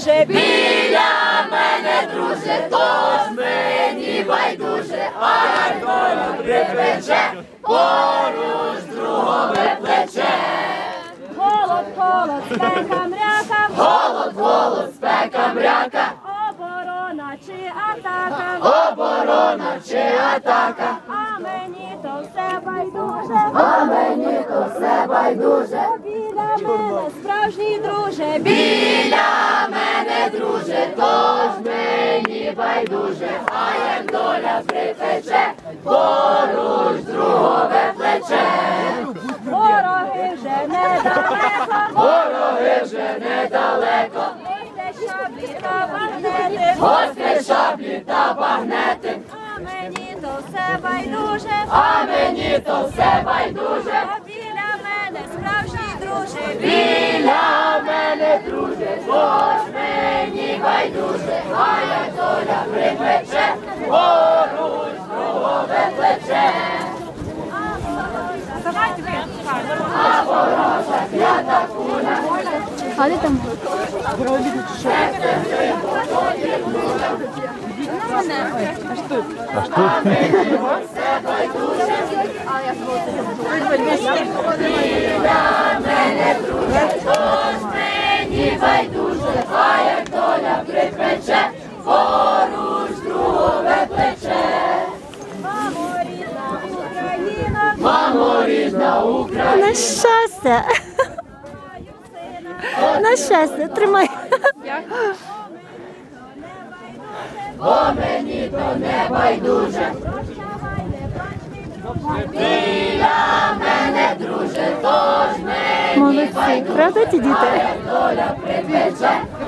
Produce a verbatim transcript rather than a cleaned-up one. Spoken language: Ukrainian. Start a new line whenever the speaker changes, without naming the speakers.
байдуже, біля мене, друже, тож мені байдуже, а як доля припече, поруч другове плече.
Голод, голод, спека, мряка,
Голод, голод, спека, мряка,
оборона чи атака,
оборона чи атака,
а мені то все байдуже,
а мені то все байдуже.
біля мене, справжній друже,
Біля мене, друже, тож мені байдуже, а як доля припече, поруч другове плече.
вороги вже недалеко,
Вороги вже недалеко,
ось шаблі та багнети,
гострі шаблі та багнети,
а мені то все байдуже,
а мені то все байдуже.
а біля мене, справжній друже,
Біля мене, друже, тож мені байдуже, а як доля припече, поруч другове плече. А ворожа клята куля,
А де там?
біля мене, друже, тож мені байдуже, а як доля припече, поруч другове плече.
мамо, рідна Україна,
Мамо, рідна Україна,
На щастя. На щастя, тримай.
бо мені то не байдуже. Біля мене, друже, тож мені
Молодці, правда ті діти?
доля припече,